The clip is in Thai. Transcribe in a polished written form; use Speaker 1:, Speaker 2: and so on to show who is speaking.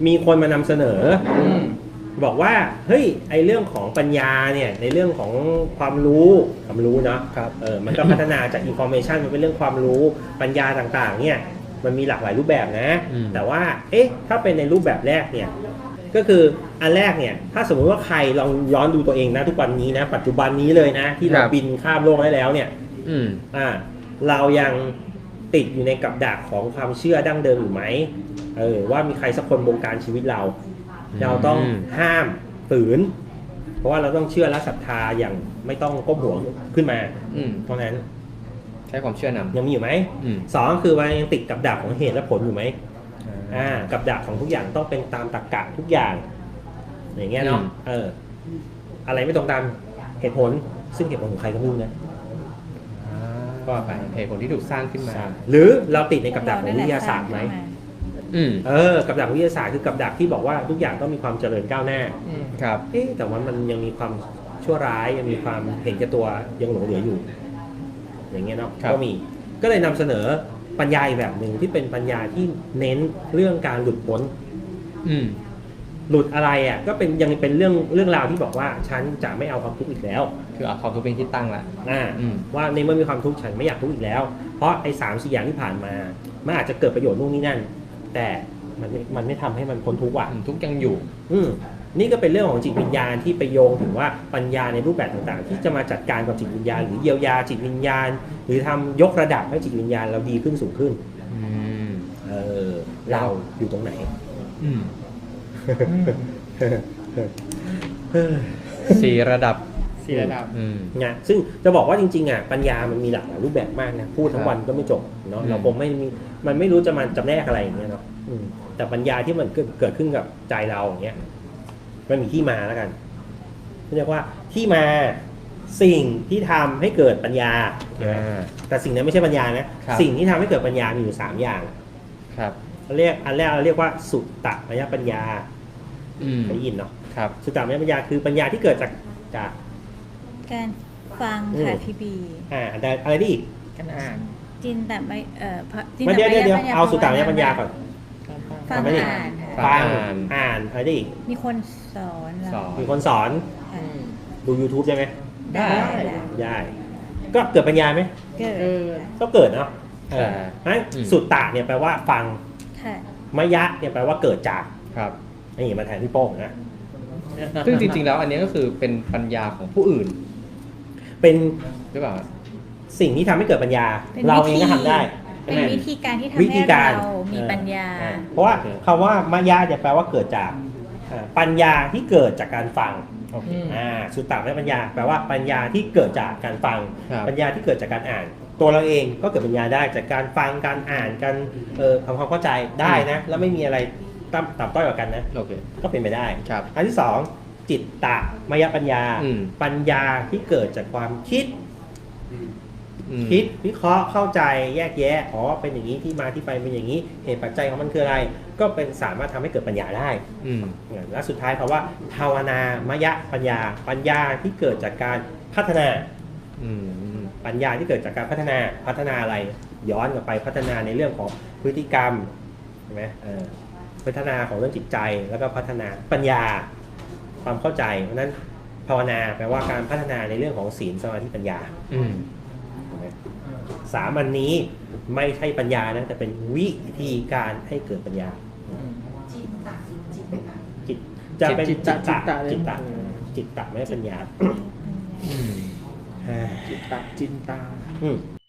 Speaker 1: มีคนมานำเสนอบอกว่าเฮ้ยไอเรื่องของปัญญาเนี่ยในเรื่องของความรู้เนาะมันก็พัฒนาจาก information มันเป็นเรื่องความรู้ปัญญาต่างๆเนี่ยมันมีหลากหลายรูปแบบนะแต่ว่าถ้าเป็นในรูปแบบแรกเนี่ยก็คืออันแรกเนี่ยถ้าสมมุติว่าใครลองย้อนดูตัวเองนะทุกวันนี้นะปัจจุบันนี้เลยนะที่เราบินข้ามโลกได้แล้วเนี่ยเรายังติดอยู่ในกับดักของความเชื่อดั้งเดิมอยู่ไหมว่ามีใครสักคนบงการชีวิตเราต้องห้ามฝืนเพราะว่าเราต้องเชื่อและศรัทธาอย่างไม่ต้องก้มหัวขึ้นมาเพราะนั้น
Speaker 2: ใช้ความเชื่อนำ
Speaker 1: ยังมีอยู่ไหมสองคือว่ายังติดกับดักของเหตุและผลอยู่ไหมกับดักของทุกอย่างต้องเป็นตามตรรกะทุกอย่างอย่างเงี้ยเนาะอะไรไม่ตรงตามเหตุผลซึ่งเหตุผลของใครก็ไม่รู้นะ
Speaker 2: ก็ไปเหตุผลที่ถูกสร้างขึ้นมา
Speaker 1: หรือเราติดในกับดักของวิทยาศาสตร์ไหมกับดักวิทยาศาสตร์คือกับดักที่บอกว่าทุกอย่างต้องมีความเจริญก้าวหน้า
Speaker 2: ครับ
Speaker 1: แต่ว่ามันยังมีความชั่วร้ายยังมีความเห็นแก่ตัวยังหลงเหลืออยู่อย่างเงี้ยเนาะก็เลยนำเสนอปัญญาอีกแบบหนึ่งที่เป็นปัญญาที่เน้นเรื่องการหลุดพ้นหลุดอะไรก็เป็นยังเป็นเรื่องราวที่บอกว่าฉันจะไม่เอาความทุกข์อีกแล้ว
Speaker 2: คือเอาความทุกข์เป็นที่ตั้งละ
Speaker 1: ว่าในเมื่อมีความทุกข์ฉันไม่อยากทุกข์อีกแล้วเพราะไอ้3-4อย่างที่ผ่านมามันอาจจะเกิดประโยชน์นู่นนี่นั่นแต่มันไม่ทำให้มันพ้นทุกข์
Speaker 2: ทุกข์ยังอยู่
Speaker 1: นี่ก็เป็นเรื่องของจิตวิญญาณที่ไปโยงถึงว่าปัญญาในรูปแบบต่างๆที่จะมาจัดการกับจิตวิญญาณหรือเยียวยาจิตวิญญาณหรือทำยกระดับให้จิตวิญญาณเราดีขึ้นสูงขึ้นเราอยู่ตรงไหน
Speaker 2: 4 ระดับ
Speaker 1: เนี่ยซึ่งจะบอกว่าจริงๆปัญญามันมีหลากหลายรูปแบบมากนะพูดทั้งวันก็ไม่จบเนาะเราคงมันไม่รู้จะมันจำแนกอะไรอย่างเงี้ยเนาะแต่ปัญญาที่มันเกิดขึ้นกับใจเราอย่างเงี้ยมันมีที่มาแล้วกันเรียกว่าที่มาสิ่งที่ทำให้เกิดปัญญาแต่สิ่งนั้นไม่ใช่ปัญญานะสิ่งที่ทำให้เกิดปัญญามีอยู่3อย่าง
Speaker 2: ครับ
Speaker 1: อันแรกเราเรียกว่าสุตตมยปัญญาได้ยินเนาะสุตตมยปัญญาคือปัญญาที่เกิดจาก
Speaker 3: การฟังค่ะพี่บี
Speaker 1: อะไรดิ
Speaker 2: การอ่าน
Speaker 3: จินแต่ไม่
Speaker 1: เดี๋ยวเอาสุตตมยปัญญาก่อน
Speaker 3: ฟัง
Speaker 1: อ่านอะไรดิ
Speaker 3: มีคนสอน
Speaker 1: มีคนสอนดู YouTube ได้ไหมได้ก็เกิดปัญญาไหมก็เกิดเนาะนั้นสุตตะเนี่ยแปลว่าฟังมยะเนี่ยแปลว่าเกิดจากนี่มาแทนที่โป้งนะ
Speaker 2: ซึ่งจริงๆแล้วอันนี้ก็คือเป็นปัญญาของผู้อื่น
Speaker 1: เป็น
Speaker 2: หรือเปล่า
Speaker 1: สิ่งที่ทำให้เกิดปัญญาเราเองก็ทำได้
Speaker 3: เป็นวิธีการที่ทำให้เรามีปัญญา
Speaker 1: เพราะว่าคำว่ามยะจะแปลว่าเกิดจากปัญญาที่เกิดจากการฟังสุตตะมยปัญญาแปลว่าปัญญาที่เกิดจากการฟังปัญญาที่เกิดจากการอ่านตัวเราเองก็เกิดปัญญาได้จากการฟังการอ่านการทำความเข้าใจได้นะแล้วไม่มีอะไรต่ำต้อยกว่ากันนะก็เป็นไปได้อันที่2จิตตมยปัญญาปัญญาที่เกิดจากความคิดวิเคราะห์เข้าใจแยกแยะเป็นอย่างนี้ที่มาที่ไปเป็นอย่างนี้เหตุปัจจัยของมันคืออะไรก็เป็นสามารถทำให้เกิดปัญญาได้และสุดท้ายคำว่าภาวนามยปัญญาที่เกิดจากการพัฒนาปัญญาที่เกิดจากการพัฒนาอะไรย้อนกลับไปพัฒนาในเรื่องของพฤติกรรมใช่ไหมพัฒนาของเรื่องจิตใจแล้วก็พัฒนาปัญญาความเข้าใจเพราะนั้นภาวนาแปลว่าการพัฒนาในเรื่องของศีลสมาธิปัญญา3 อันนี้ไม่ใช่ปัญญานะแต่เป็นวิธีการให้เกิดปัญญาจิตจะเป็นจิตตะไม่ใช่ปัญญา
Speaker 4: จินตา